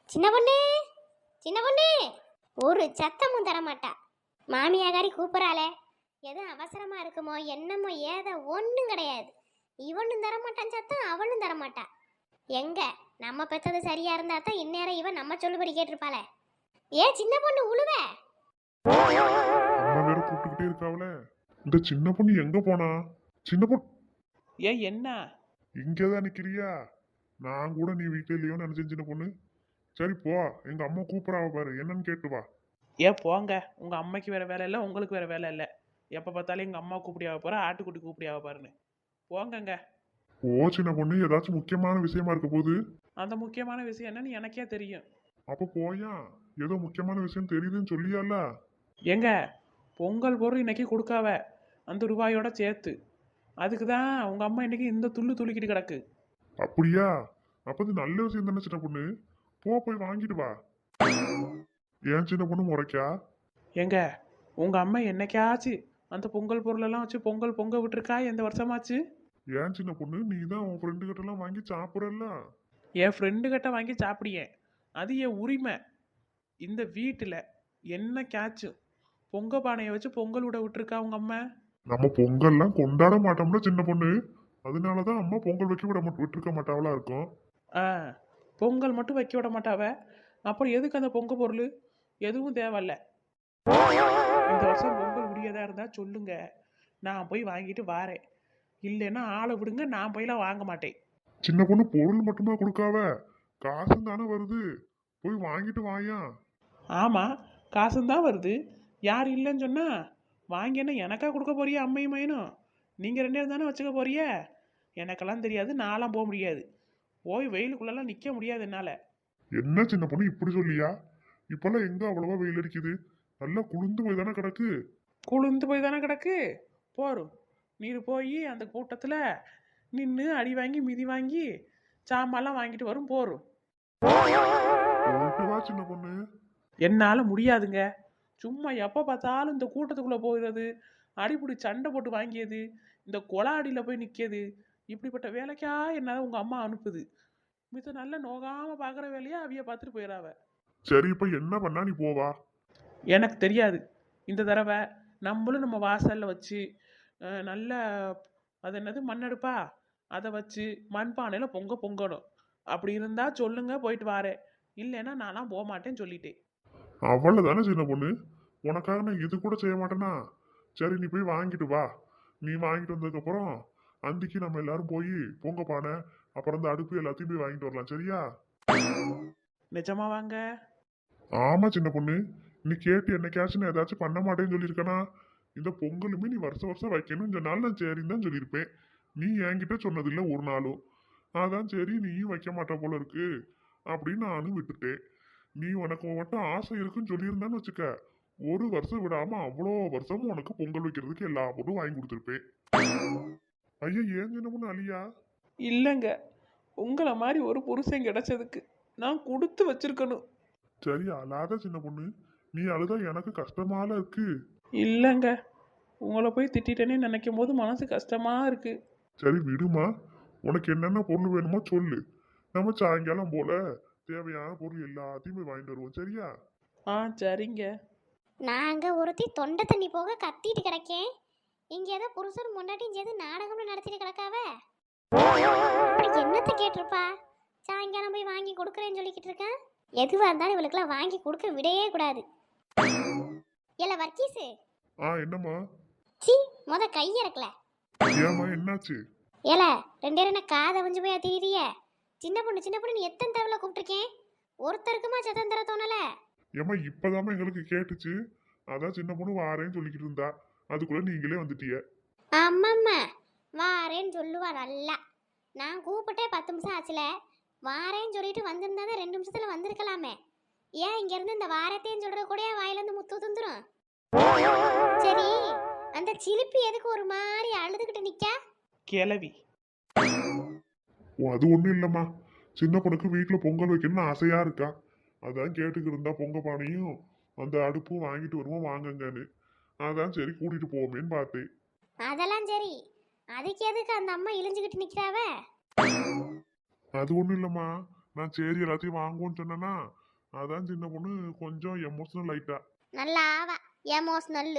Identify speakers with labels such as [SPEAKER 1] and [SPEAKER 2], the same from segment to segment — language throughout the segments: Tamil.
[SPEAKER 1] சின்ன பொண்ணு, சின்ன பொண்ணு, ஒரு சத்தமும் தர மாட்டா. மாமியாகாரி கூப்பிடறாளே, எதுவும் அவசரமா இருக்குமோ என்னமோ ஏதோ ஒன்றும் கிடையாது. இவனும் தரமாட்டான் சத்தம், அவனும் தரமாட்டா. எங்க நம்ம பெத்தது சரியா இருந்தா தான் இந்நேரம் இவன் நம்ம சொல்லுபடி கேட்டிருப்பாளே. ஏ சின்ன பொண்ணு உழுவ.
[SPEAKER 2] அம்மா வேற கூப்பிட்டுக்கிட்டே இருக்காவல. இந்த சின்ன பொண்ணு எங்க போனா? சின்ன பொண்ணு
[SPEAKER 3] ஏன் என்ன?
[SPEAKER 2] இங்கதான் நிக்கிறியா? நான் கூட நீ வீட்டுல இல்லையோன்னு நினைச்சேன் சின்ன பொண்ணு. சரி போ, எங்க அம்மா கூப்பிடாவ பாரு, என்னன்னு கேட்டு வா.
[SPEAKER 3] ஏன் போங்க, உங்க அம்மைக்கு வேற வேலை இல்லை, உங்களுக்கு வேற வேலை இல்லை. எப்போ பார்த்தாலும் எங்க அம்மா கூப்பிடியாக போறா, ஆட்டுக்குட்டி கூப்பிடியாக பாருன்னு. போங்கங்க.
[SPEAKER 2] ஓ சின்ன பொண்ணு, ஏதாச்சும் முக்கியமான விஷயமா இருக்க போகுது.
[SPEAKER 3] அந்த முக்கியமான விஷயம் என்னன்னு எனக்கே தெரியும்.
[SPEAKER 2] அப்ப போயா, ஏதோ முக்கியமான விஷயம் தெரியுதுன்னு சொல்லியால.
[SPEAKER 3] ஏங்க, பொங்கல் பொருள் இன்னைக்கு கொடுக்காவ, அந்த ரூபாயோட சேர்த்து. அதுக்கு தான் உங்க அம்மா இன்னைக்கு இந்த துள்ளு துள்ளிக்கிட்டு கிடக்கு.
[SPEAKER 2] அப்படியா? அப்ப இது நல்ல விஷயம் தானே சின்ன பொண்ணு. போய் வாங்கிட்டு வா. ஏன் சின்ன பொண்ணு முறைக்கா?
[SPEAKER 3] ஏங்க, உங்க அம்மா என்னைக்காச்சு அந்த பொங்கல் பொருளெல்லாம் வச்சு பொங்கல் பொங்க விட்டுருக்கா எந்த வருஷமாச்சு?
[SPEAKER 2] ஏன் சின்ன பொண்ணு, நீ தான் உன் ஃப்ரெண்டு கிட்ட எல்லாம் வாங்கி சாப்பிடல.
[SPEAKER 3] என் ஃப்ரெண்டு கிட்ட வாங்கி சாப்பிடியேன், அது என் உரிமை. இந்த வீட்டில் என்னைக்காச்சும் பொங்க பானையை வச்சு பொங்கல் விட விட்டுருக்கா உங்க அம்மா?
[SPEAKER 2] நம்ம பொங்கல்லாம் கொண்டாட மாட்டோம்ல சின்ன பொண்ணு. அதனாலதான் அம்மா பொங்கல் வைக்க விட்டுருக்க மாட்டாவளா இருக்கும்.
[SPEAKER 3] ஆ, பொங்கல் மட்டும் வைக்க விட மாட்டாவ, அப்புறம் எதுக்கு அந்த பொங்க பொருள்? எதுவும் தேவையில்ல. இந்த வருஷம் பொங்கல் முடியதா இருந்தா சொல்லுங்க, நான் போய் வாங்கிட்டு வாரேன். இல்லைன்னா ஆளை விடுங்க, நான் போயெல்லாம் வாங்க மாட்டேன்.
[SPEAKER 2] சின்ன பொண்ணு பொருள் மட்டுமா கொடுக்காவ, காசும் தானே வருது. போய் வாங்கிட்டு வாயா.
[SPEAKER 3] ஆமாம், காசும் வருது. யார் இல்லைன்னு சொன்னா வாங்கி என்ன எனக்கா கொடுக்க போறியா? அம்மையும் மையனும் நீங்கள் ரெண்டு பேரும் தானே வச்சுக்க போறிய. எனக்கெல்லாம் தெரியாது, நான்லாம் போக முடியாது. போய் வெயிலுக்குள்ளெல்லாம் நிற்க முடியாது என்னால்.
[SPEAKER 2] என்ன சின்ன பொண்ணு இப்படி சொல்லியா? இப்பெல்லாம் எங்க அவ்வளவா வெயில் அடிக்குது? நல்லா குளிர்ந்து போய் தானே கிடக்கு.
[SPEAKER 3] குளிர்ந்து போய் தானே கிடக்கு. போரும், நீர் போய் அந்த கூட்டத்தில் நின்று அடி வாங்கி மிதி வாங்கி சாமான்லாம் வாங்கிட்டு வரும். போரும்.
[SPEAKER 2] போயிட்டு வா சின்ன பொண்ணு.
[SPEAKER 3] என்னால் முடியாதுங்க. சும்மா எப்போ பார்த்தாலும் இந்த கூட்டத்துக்குள்ளே போகிறது, அடிப்படி சண்டை போட்டு வாங்கியது, இந்த கொலாடியில் போய் நிற்கிது, இப்படிப்பட்ட வேலைக்கா என்னால் உங்கள் அம்மா அனுப்புது. மித்த நல்ல நோகாமல் பார்க்குற வேலையை அவிய பார்த்துட்டு போயிடாவ.
[SPEAKER 2] சரி இப்ப என்ன பண்ணா நீ போவா?
[SPEAKER 3] எனக்கு தெரியாது. இந்த தடவை நம்மளும் நம்ம வாசலில் வச்சு நல்ல அது என்னது மண்ணெடுப்பா, அதை வச்சு மண்பானையில் பொங்கணும். அப்படி இருந்தால் சொல்லுங்க, போயிட்டு வாரேன். இல்லைன்னா நான்லாம் போக மாட்டேன்னு சொல்லிட்டேன்.
[SPEAKER 2] அவ்வளவுதானே சின்ன பொண்ணு, உனக்காக நான் இது கூட செய்ய மாட்டேனா? சரி நீ போய் வாங்கிட்டு வா. நீ வாங்கிட்டு வந்ததுக்கு அப்புறம் அன்றைக்கு நம்ம எல்லாரும் போய் பொங்க பானை அப்புறம் இந்த அடுப்பு எல்லாத்தையும் போய் வாங்கிட்டு வரலாம், சரியா?
[SPEAKER 3] நிஜமா வாங்க.
[SPEAKER 2] ஆமா சின்ன பொண்ணு, நீ கேட்டு என்னைக்காச்சும் நான் ஏதாச்சும் பண்ண மாட்டேன்னு சொல்லியிருக்கனா? இந்த பொங்கலுமே நீ வருஷம் வருஷம் வைக்கணும்னு சொன்னாலும் நான் சரின்னு தான் சொல்லியிருப்பேன். நீ என்கிட்ட சொன்னதில்லை ஒரு நாளும். அதான் சரி நீயும் வைக்க மாட்ட போல இருக்கு அப்படின்னு நானும் விட்டுட்டேன். நீ உனக்கு மட்டும் ஆசை இருக்குன்னு சொல்லியிருந்தான்னு வச்சுக்க, ஒரு வருஷம் விடாம அவ்வளோ வருஷமும் உனக்கு பொங்கல் வைக்கிறதுக்கு எல்லா பொருளும் வாங்கி கொடுத்துருப்பேன். ஐயா ஏன் சின்ன பொண்ணு அழியா?
[SPEAKER 3] இல்லைங்க, உங்களை மாதிரி ஒரு புருஷன் கிடைச்சதுக்கு நான் கொடுத்து வச்சிருக்கணும்.
[SPEAKER 2] சரி அழாத சின்ன பொண்ணு, நீ அழுதா எனக்கு கஷ்டமால இருக்கு.
[SPEAKER 3] இல்லைங்க, உங்களை போய் திட்டிட்டேனே நினைக்கும் போது மனசு கஷ்டமா இருக்கு.
[SPEAKER 2] சரி விடுமா, உனக்கு என்னென்ன பொருள் வேணுமோ சொல்லு. நம்ம சாயங்காலம் போல தேவையான பொருள் எல்லாத்தையுமே வாங்கிட்டு வருவோம், சரியா?
[SPEAKER 3] ஆ சரிங்க.
[SPEAKER 1] நாங்க ஒருத்தி தொண்டை தண்ணி போக கத்திட்டு கிடக்கேன். இங்க ஏதோ புருஷன் முன்னாடியும் சேர்ந்து நாடகம்னு நடத்திட்டு கிடக்காவ. அப்படி என்னத்தை கேட்டிருப்பா? சாயங்காலம் போய் வாங்கி கொடுக்குறேன்னு சொல்லிக்கிட்டு இருக்கேன். எதுவா இருந்தாலும் இவளுக்குலாம் வாங்கி கொடுக்க விடையே கூடாது. இல்ல வர்க்கீஸு.
[SPEAKER 2] என்னம்மா?
[SPEAKER 1] சி முத கையிறக்கல.
[SPEAKER 2] ஏம்மா என்னாச்சு?
[SPEAKER 1] ஏல ரெண்டே என்ன காதை வஞ்சு போய் தீரிய. சின்ன பொண்ணு நீ எத்தனை தடவை கூப்பிட்டுருக்கேன், ஒருத்தருக்குமா சத்தம் தர தோணல.
[SPEAKER 2] ஏம்மா இப்பதாம்மா எங்களுக்கு கேட்டுச்சு, அதான் சின்ன பொண்ணு வாரேன்னு சொல்லிக்கிட்டு இருந்தா, அதுக்குள்ள நீங்களே வந்துட்டிய.
[SPEAKER 1] அம்மம்மா வாரேன்னு சொல்லுவா நல்லா. நான் கூப்பிட்டே 10 நிமிஷம் ஆச்சுல. வாரேன்னு சொல்லிட்டு வந்திருந்தா 2 நிமிஷத்துல வந்திருக்கலாமே. ஏன் இங்க இருந்து இந்த வாரத்தையும் சொல்ற கூட வாயிலிருந்து முத்து துந்துரும். சரி அந்த சிலிப்பி எதுக்கு ஒரு மாதிரி அழுதுகிட்டு நிக்கா?
[SPEAKER 3] கிளவி.
[SPEAKER 2] அது ஒண்ணும் இல்லம்மா, சின்ன பொண்ணுக்கு வீட்டுல பொங்கல் வைக்கணும்னு ஆசையா இருக்கா. அதான் கேட்டுக்கிட்டு இருந்தா பொங்க பானையும் அந்த அடுப்பும் வாங்கிட்டு வருவோம் வாங்கங்கன்னு. அதான் சரி கூட்டிட்டு போவோமேன்னு பார்த்தேன்.
[SPEAKER 1] அதெல்லாம் சரி, அதுக்கு எதுக்கு அந்த அம்மா இழிஞ்சுக்கிட்டு நிக்கிறாவ?
[SPEAKER 2] அது ஒண்ணும் இல்லம்மா, நான் சரி எல்லாத்தையும் வாங்குவோன்னு சொன்னேன்னா அதான் சின்ன பொண்ணு கொஞ்சம் எமோஷனல் ஆயிட்டா.
[SPEAKER 1] நல்லா ஆவா எமோஷனல்.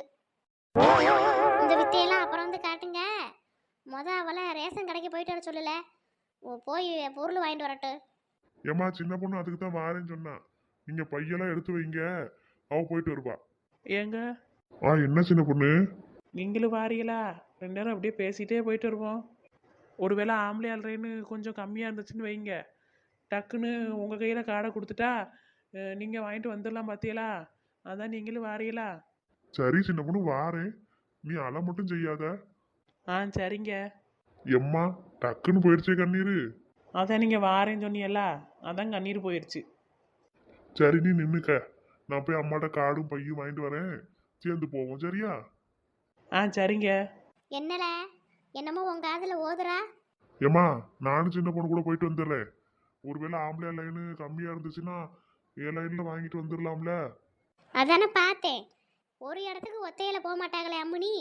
[SPEAKER 1] இந்த வித்தையெல்லாம் அப்புறம் வந்து காட்டுங்க. அவளை ரேஷன் கடைக்கு போயிட்டு வர சொல்லல. போய் பொருள் வாங்கிட்டு வரட்டும்.
[SPEAKER 2] ஏமா சின்ன பொண்ணு அதுக்கு தான் வாரேன்னு சொன்னா. நீங்க பையெல்லாம் எடுத்து வைங்க, அவ போயிட்டு வருவா.
[SPEAKER 3] ஏங்க
[SPEAKER 2] என்ன சின்ன பொண்ணு?
[SPEAKER 3] நீங்களும் வாரீங்களா? 2 நேரம் அப்படியே பேசிட்டே போயிட்டு வருவோம். ஒருவேளை ஆம்பளை ஆள்றேன்னு கொஞ்சம் கம்மியாக இருந்துச்சுன்னு வைங்க, டக்குன்னு உங்கள் கையில் காடை கொடுத்துட்டா நீங்கள் வாங்கிட்டு வந்துடலாம் பார்த்தீங்களா? அதான் நீங்களும் வாரீங்களா?
[SPEAKER 2] சரி சின்ன பொண்ணு வாரேன், நீ அலை மட்டும் செய்யாத.
[SPEAKER 3] சரிங்க.
[SPEAKER 2] எம்மா டக்குன்னு போயிடுச்சே கண்ணீரு.
[SPEAKER 3] அதான் நீங்கள் வாரேன்னு சொன்னீங்களா, அதான் கண்ணீர் போயிடுச்சு.
[SPEAKER 2] சரி நீ நின்னுக்க, நான் போய் அம்மாட்ட காடும் பையும் வாங்கிட்டு வரேன், சேர்ந்து போவோம் சரியா?
[SPEAKER 3] சரிங்க.
[SPEAKER 1] என்னல என்னமோ உங்க காதுல ஓதுறா?
[SPEAKER 2] ஏம்மா நானும் சின்ன பொண்ணு கூட போயிட்டு வந்துடுறேன். ஒருவேளை ஆம்பளை லைனு கம்மியா இருந்துச்சுன்னா லைன்ல வாங்கிட்டு வந்துடலாம்ல.
[SPEAKER 1] அதானே பார்த்தேன். ஒரு இடத்துக்கு ஒத்தையில போக மாட்டாங்களே அம்முனி.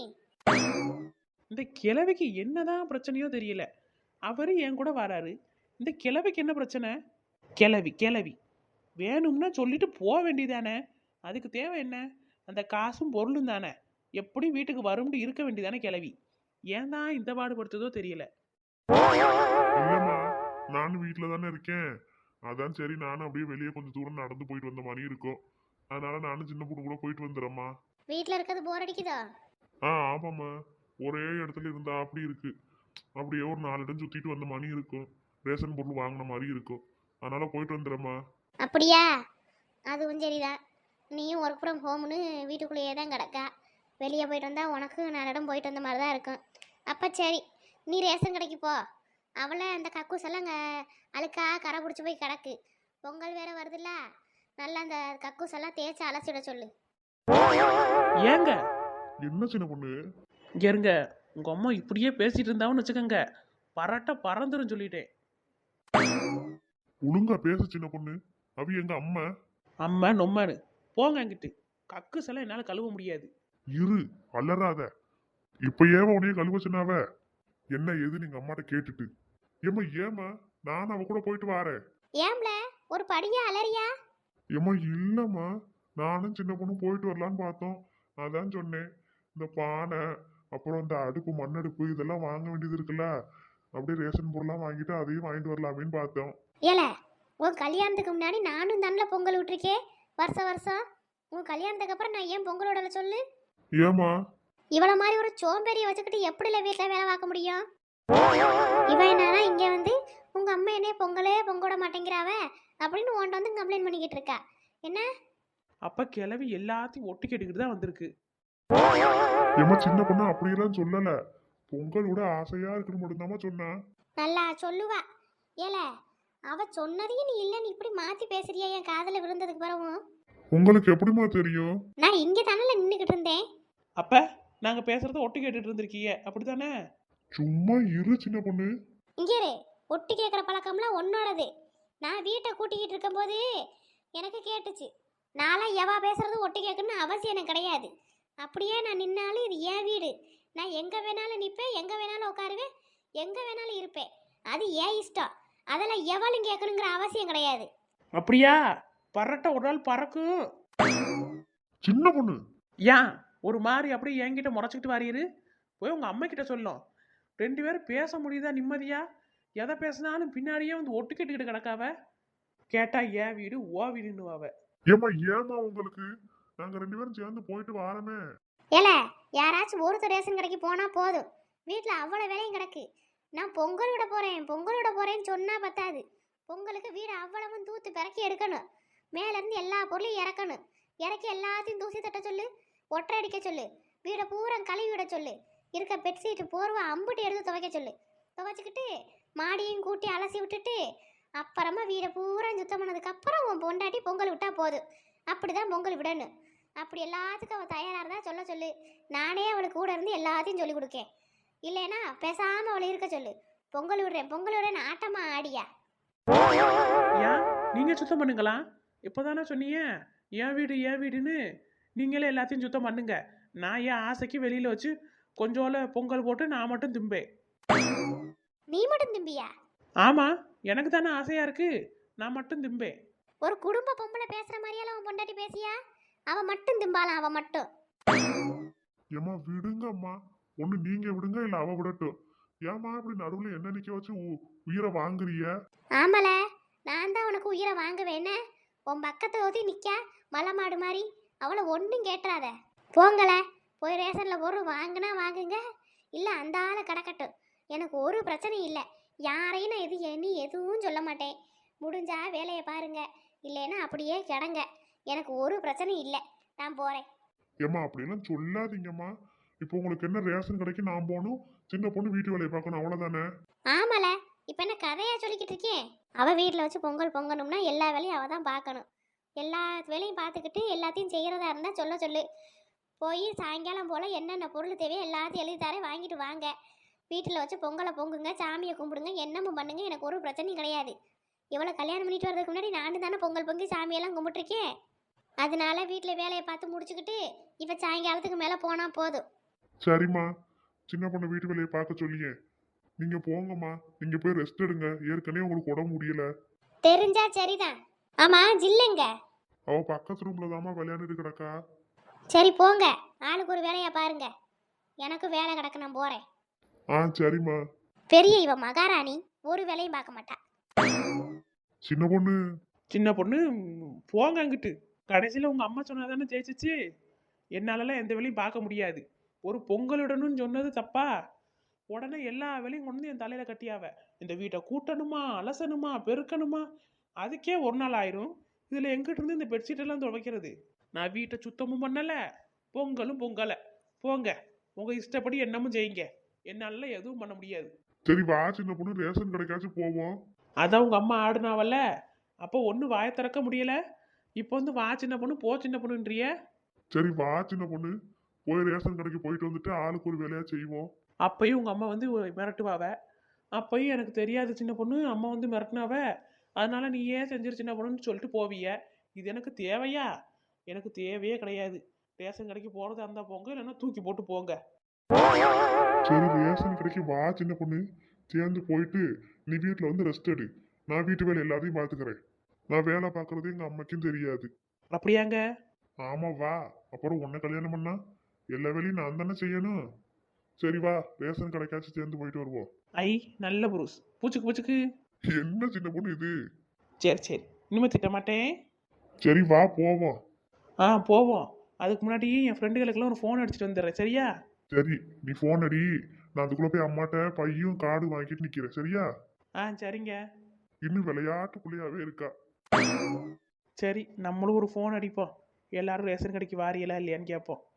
[SPEAKER 3] இந்த கிழவிக்கு என்னதான் பிரச்சனையோ தெரியல. அவரு என் கூட வராரு, இந்த கிழவிக்கு என்ன பிரச்சனை? கிழவி வேணும்னா சொல்லிட்டு போக வேண்டியதானே? அதுக்கு தேவை என்ன? அந்த காசும் பொருளும் தானே, எப்படி வீட்டுக்கு வரும்னு இருக்க வேண்டியதானே கிழவி. ஏன் தான் இந்த பாடுபடுத்துதோ தெரியல.
[SPEAKER 2] இல்லம்மா நானும் வீட்டுல தானே இருக்கேன், அதான் சரி நானும் அப்படியே வெளியே கொஞ்சம் தூரம் நடந்து போயிட்டு வந்த மாதிரி இருக்கும். அதனால நானும் சின்ன பொண்ணு கூட போயிட்டு வந்துடுறேம்மா.
[SPEAKER 1] வீட்ல இருக்கிறது போர் அடிக்குதோ?
[SPEAKER 2] ஆமாம்மா, ஒரே இடத்துல இருந்தா அப்படி இருக்கு. அப்படியே ஒரு 4 இடம் சுத்திட்டு வந்த மாதிரி இருக்கும், ரேஷன் பொருள் வாங்கின மாதிரி இருக்கும். அதனால போயிட்டு வந்துடுறேம்மா.
[SPEAKER 1] அப்படியா? அதுவும் சரிதான். நீயும் ஒர்க் ஃப்ரம் ஹோம்னு வீட்டுக்குள்ளேயே தான் கிடக்கா. வெளியே போயிட்டு வந்தா உனக்கு 4 இடம் போயிட்டு வந்த மாதிரி தான் இருக்கும். அப்போ சரி, நீ ரேஷன் கடைக்கு போ. அவளை அந்த கக்கூஸ் எல்லாம் அழுக்கா கரை பிடிச்சி போய் கிடக்கு. பொங்கல் வேற வருதுல்ல, நல்லா அந்த கக்கூஸ் எல்லாம் தேய்ச்சி அலசிட சொல்லு.
[SPEAKER 3] ஏங்க
[SPEAKER 2] என்ன சின்ன பொண்ணு?
[SPEAKER 3] இங்க இருங்க, உங்க அம்மா இப்படியே பேசிட்டு இருந்தான்னு வச்சுக்கோங்க, பரட்ட பறந்துரும் சொல்லிட்டேன்.
[SPEAKER 2] ஒழுங்கா பேச சின்ன பொண்ணு, அவ எங்க அம்மா.
[SPEAKER 3] அம்மா நொம்மனு போங்க அங்கிட்டு. கக்கு எல்லாம் என்னால கழுவ முடியாது.
[SPEAKER 2] இரு அலறாத. இப்ப ஏவ உனைய கழுவ சொன்னாவ? என்ன ஏது நீங்க அம்மாட்ட கேட்டுட்டு? ஏமா நான் அவ கூட போயிட்டு வாரேன்.
[SPEAKER 1] ஏம்ல ஒரு படியா அலறியா?
[SPEAKER 2] ஏமா இல்லம்மா, நானும் சின்ன பொண்ணு போயிட்டு வரலான்னு பார்த்தோம். அதான் சொன்னேன், இந்த பானை அப்புறம் இந்த அடுப்பு மண்ணடுப்பு இதெல்லாம் வாங்க வேண்டியது இருக்குல்ல, அப்படியே ரேஷன் பொருள்லாம் வாங்கிட்டு அதையும் வாங்கிட்டு வரலாமேன்னு பார்த்தோம்.
[SPEAKER 1] ஏல உன் கல்யாணத்துக்கு முன்னாடி நானும் தானே பொங்கல் விட்டுருக்கேன் வருஷம். உன் கல்யாணத்துக்கு அப்புறம் நான் ஏன் பொங்கல் விடல சொல்லு?
[SPEAKER 2] ஏமா
[SPEAKER 1] இவள மாதிரி ஒரு சோம்பேறியை வச்சுக்கிட்டு எப்படில வீட்டில் வேலை பார்க்க முடியும்? இவன் என்னன்னா இங்கே வந்து உங்கள் அம்மா என்னைய பொங்கலே பொங்கோட மாட்டேங்கிறாவ அப்படின்னு உன்ட்ட வந்து கம்ப்ளைண்ட் பண்ணிக்கிட்டு இருக்கா. என்ன
[SPEAKER 3] அப்ப கிளவி எல்லாத்தையும் ஒட்டு கேட்டுக்கிட்டு தான் வந்திருக்கு.
[SPEAKER 2] ஏமா சின்ன பொண்ணு அப்படியெல்லாம் சொல்லல, பொங்கல் விட ஆசையா இருக்குன்னு மட்டும்தாம்மா சொன்னா.
[SPEAKER 1] நல்லா சொல்லுவா. ஏல அவ சொன்னதையும் நீ இல்லைன்னு இப்படி மாற்றி பேசுறியா என் காதில் விழுந்ததுக்கு பிறகும்?
[SPEAKER 2] உங்களுக்கு எப்படிமா தெரியும்?
[SPEAKER 1] நான் இங்கே தானே நின்றுக்கிட்டு இருந்தேன்.
[SPEAKER 3] அப்ப நாங்க பேசுறத ஒட்டு கேட்டுட்டு இருந்திருக்கீங்க அப்படித்தானே?
[SPEAKER 2] சும்மா இரு சின்ன பொண்ணு.
[SPEAKER 1] இங்கே ஒட்டு கேட்குற பழக்கம்லாம் உன்னோடது. நான் வீட்டை கூட்டிக்கிட்டு இருக்கும்போது எனக்கு கேட்டுச்சு. நான்லாம் எவா பேசுறது ஒட்டு கேட்கணும்னு அவசியம் எனக்கு கிடையாது. அப்படியே நான் நின்னாலும் இது என் வீடு. நான் எங்கே வேணாலும் நிற்பேன், எங்கே வேணாலும் உட்காருவேன், எங்கே வேணாலும் இருப்பேன். அது ஏன் இஷ்டம். அதெல்லாம் எவளும் கேட்கணுங்கிற அவசியம் கிடையாது.
[SPEAKER 3] அப்படியா? பறட்ட ஒரு நாள் பறக்கும்.
[SPEAKER 2] சின்ன பொண்ணு
[SPEAKER 3] ஏன் ஒரு மாதிரி அப்படியே என்கிட்ட முறைச்சிக்கிட்டு வாரியரு? போய் உங்க அம்மா கிட்ட சொல்லும். 2 பேரும் பேச முடியுதா நிம்மதியா? எதை பேசினாலும் பின்னாடியே வந்து ஒட்டு கேட்டுக்கிட்டு கிடக்காவ. கேட்டா ஏன் வீடு ஓ வீடுன்னுவாவ.
[SPEAKER 2] ஏமா உங்களுக்கு, நாங்க 2 பேரும் சேர்ந்து போயிட்டு வாரமே.
[SPEAKER 1] ஏல யாராச்சும் ஒருத்தர் ரேஷன் கடைக்கு போனால் போதும், வீட்டில் அவ்வளோ வேலையும் கிடக்கு. நான் பொங்கல் விட போகிறேன்னு சொன்னால் பத்தாது. பொங்கலுக்கு வீடு அவ்வளவும் தூத்து பிறக்கி எடுக்கணும். மேலேருந்து எல்லா பொருளையும் இறக்கணும். இறக்கி எல்லாத்தையும் தூசி தட்ட சொல்லு, ஒற்றை அடிக்க சொல்லு, வீடை பூரா கழுவி விட சொல்லு, இருக்க பெட்ஷீட்டு போர்வை அம்புட்டு எடுத்து துவைக்க சொல்லு. துவைச்சிக்கிட்டு மாடியும் கூட்டி அலசி விட்டுட்டு அப்புறமா வீடை பூரா சுத்தம் பண்ணதுக்கப்புறம் உன் பொண்டாட்டி பொங்கல் விட்டா போதும். அப்படி தான் பொங்கல் விடணும். அப்படி எல்லாத்துக்கும் அவள் தயாராக இருந்தால் சொல்ல சொல்லு. நானே அவளுக்கு கூட இருந்து எல்லாத்தையும் சொல்லி கொடுக்கேன். இல்லைன்னா பேசாமல் அவளை இருக்க சொல்லு. பொங்கல் விடுறேன் ஆட்டமா ஆடியா?
[SPEAKER 3] ஏன் நீங்க சுத்தம் பண்ணுங்களா? இப்போதானே சொன்னீங்க என் வீடுன்னு. நீங்களே எல்லாத்தையும் சுத்தம் பண்ணுங்க. நான் என் ஆசைக்கு வெளியில வச்சு கொஞ்சோல பொங்கல் போட்டு நான் மட்டும் திம்பேன்.
[SPEAKER 1] நீ மட்டும் திம்பியா?
[SPEAKER 3] ஆமா, எனக்கு தானே ஆசையா இருக்கு, நான் மட்டும் திம்பேன்.
[SPEAKER 1] ஒரு குடும்ப பொம்பளை பேசுற மாதிரியெல்லாம் அவன் பொண்டாட்டி பேசியா? அவன் மட்டும் திம்பாளாம், அவன் மட்டும்.
[SPEAKER 2] ஏம்மா விடுங்கம்மா, ஒண்ணு நீங்க விடுங்க இல்ல அவ விடட்டும். ஏம்மா இப்படி நடுவுல என்ன நிக்க வச்சு உயிரை வாங்குறிய?
[SPEAKER 1] ஆமல, நான் தான் உனக்கு உயிரை வாங்குவேன்னு. உன் பக்கத்தை ஊத்தி நிக்கா மலை மாடு மாதிரி. அவளை ஒன்றும் கேட்டுறாத. போங்கள, போய் ரேஷனில் பொருள் வாங்கினா வாங்குங்க, இல்லை அந்த ஆளை கிடக்கட்டும். எனக்கு ஒரு பிரச்சனையும் இல்லை. யாரையும் நான் நீ எதுவும் சொல்ல மாட்டேன். முடிஞ்சா வேலையை பாருங்க, இல்லைன்னா அப்படியே கிடங்க. எனக்கு ஒரு பிரச்சனையும் இல்லை. நான் போகிறேன்.
[SPEAKER 2] ஏம்மா அப்படியெல்லாம் சொல்லாதீங்கம்மா. இப்போ உங்களுக்கு என்ன ரேஷன் கடைக்கு நான் போகணும், சின்ன பொண்ணு வீட்டு வேலையை பார்க்கணும், அவ்வளோதானே?
[SPEAKER 1] ஆமல, இப்போ என்ன கதையா சொல்லிக்கிட்டு இருக்கேன்? அவள் வீட்டில் வச்சு பொங்கல் பொங்கணும்னா எல்லா வேலையும் அவள் தான் பார்க்கணும். எல்லா வேலையும் பார்த்துக்கிட்டு எல்லாத்தையும் செய்கிறதா இருந்தால் சொல்ல சொல்லு. போய் சாயங்காலம் போல் என்னென்ன பொருள் தேவையோ எல்லாத்தையும் எழுதி தரேன், வாங்கிட்டு வாங்க. வீட்டில் வச்சு பொங்கலை பொங்குங்க, சாமியை கும்பிடுங்க, என்னமும் பண்ணுங்க. எனக்கு ஒரு பிரச்சனையும் கிடையாது. இவ்வளோ கல்யாணம் பண்ணிட்டு வரதுக்கு முன்னாடி நான் தானே பொங்கல் பொங்கி சாமியெல்லாம் கும்பிட்டுருக்கேன். அதனால வீட்டில் வேலையை பார்த்து முடிச்சுக்கிட்டு இப்போ சாயங்காலத்துக்கு மேலே போனால் போதும்.
[SPEAKER 2] சரிம்மா, சின்ன பொண்ணு வீட்டு வேலையை பார்க்க சொல்லியே. நீங்க போங்கம்மா, நீங்க போய் ரெஸ்ட் எடுங்க. ஏற்கனவே உங்களுக்கு உடம்பு முடியல.
[SPEAKER 1] தெரிஞ்சா சரிதான். ஆமாம், ஜில்லுங்க.
[SPEAKER 2] அவ பக்கத்து ரூம்ல தாம்மா விளையாண்டுட்டு கிடக்கா.
[SPEAKER 1] சரி போங்க, ஆளுக்கு ஒரு வேலையை பாருங்க. எனக்கு வேலை கிடக்கு, நான் போகிறேன்.
[SPEAKER 2] சரிம்மா.
[SPEAKER 1] பெரிய இவ மகாராணி ஒரு வேலையும் பார்க்க மாட்டா.
[SPEAKER 2] சின்ன பொண்ணு
[SPEAKER 3] சின்ன பொண்ணு போங்க அங்கிட்டு. கடைசியில் உங்கள் அம்மா சொன்னாதானே ஜெயிச்சிச்சு. என்னாலலாம் எந்த வேலையும் பார்க்க முடியாது. ஒரு பொங்கலிடணும்னு சொன்னது தப்பா? உடனே எல்லா வேலையும் கொண்டு வந்து என் தலையில் கட்டியாவ. இந்த வீட்டை கூட்டணுமா, அலசணுமா, பெருக்கணுமா, அதுக்கே ஒரு நாள் ஆயிரும். இதில் எங்கிட்ட இருந்து இந்த பெட்ஷீட்டெல்லாம் துவைக்கிறது? நான் வீட்டை சுத்தமும் பண்ணலை, பொங்கலும் பொங்கலை. போங்க, உங்கள் இஷ்டப்படி என்னமும் செய்யுங்க. என்னால எதுவும் பண்ண முடியாது.
[SPEAKER 2] சரி வா சின்ன பொண்ணு, ரேஷன் கடைக்காச்சும் போவோம்.
[SPEAKER 3] அதான் உங்கள் அம்மா ஆடுனாவல்ல, அப்போ ஒன்றும் வாயை திறக்க முடியலை. இப்போ வந்து வா சின்ன பொண்ணு, போ சின்ன பொண்ணுன்றிய.
[SPEAKER 2] சரி வா சின்ன பொண்ணு, போய் ரேஷன் கடைக்கு போயிட்டு வந்துட்டு ஆளுக்கு ஒரு வேலையா செய்வோம்.
[SPEAKER 3] அப்பையும் உங்கள் அம்மா வந்து மிரட்டுவாவ. அப்பையும் எனக்கு தெரியாது சின்ன பொண்ணு, அம்மா வந்து மிரட்டினாவ, அதனால நீ ஏன் செஞ்சிரு சின்ன பொண்ணுன்னு சொல்லிட்டு போவிய. இது எனக்கு தேவையா? எனக்கு தேவையே கிடையாது. ரேஷன் கடைக்கு போகிறதா இருந்தால் போங்க, இல்லைன்னா தூக்கி போட்டு போங்க.
[SPEAKER 2] சரி ரேஷன் கடைக்கு வா சின்ன பொண்ணு, சேர்ந்து போயிட்டு நீ வீட்டில் வந்து ரெஸ்ட் எடு. நான் வீட்டு வேலை எல்லாத்தையும் பார்த்துக்கிறேன். நான் வேலை பார்க்கறது எங்க அம்மாக்கும் தெரியாது.
[SPEAKER 3] அப்படியாங்க?
[SPEAKER 2] ஆமா வா. அப்புறம் உன்னை கல்யாணம் பண்ணா எல்லா வேலையும் நான் தானே செய்யணும். சரி வா, ரேஷன் கடைக்காச்சும் சேர்ந்து போயிட்டு வருவோம்.
[SPEAKER 3] ஐ நல்ல புருஷ். பூச்சுக்கு பூச்சுக்கு.
[SPEAKER 2] என்ன சின்ன பொண்ணு இது?
[SPEAKER 3] சரி சரி, இனிமேல் திட்ட மாட்டேன்.
[SPEAKER 2] சரி வா போவோம்.
[SPEAKER 3] போவோம். அதுக்கு முன்னாடி என் ஃப்ரெண்டுகளுக்கெல்லாம் ஒரு ஃபோன் அடிச்சுட்டு வந்துடுறேன், சரியா?
[SPEAKER 2] சரி நீ போன் அடி, நான் அதுக்குள்ள போய் அம்மாட்ட பையும் கார்டு வாங்கிட்டு நிக்கிறேன், சரியா?
[SPEAKER 3] சரிங்க.
[SPEAKER 2] இன்னும் விளையாட்டு புள்ளையாவே இருக்கா.
[SPEAKER 3] சரி, நம்மளும் ஒரு ஃபோன் அடிப்போம். எல்லாரும் ரேஷன் கடைக்கு வாரியலா இல்லையான்னு கேட்போம்.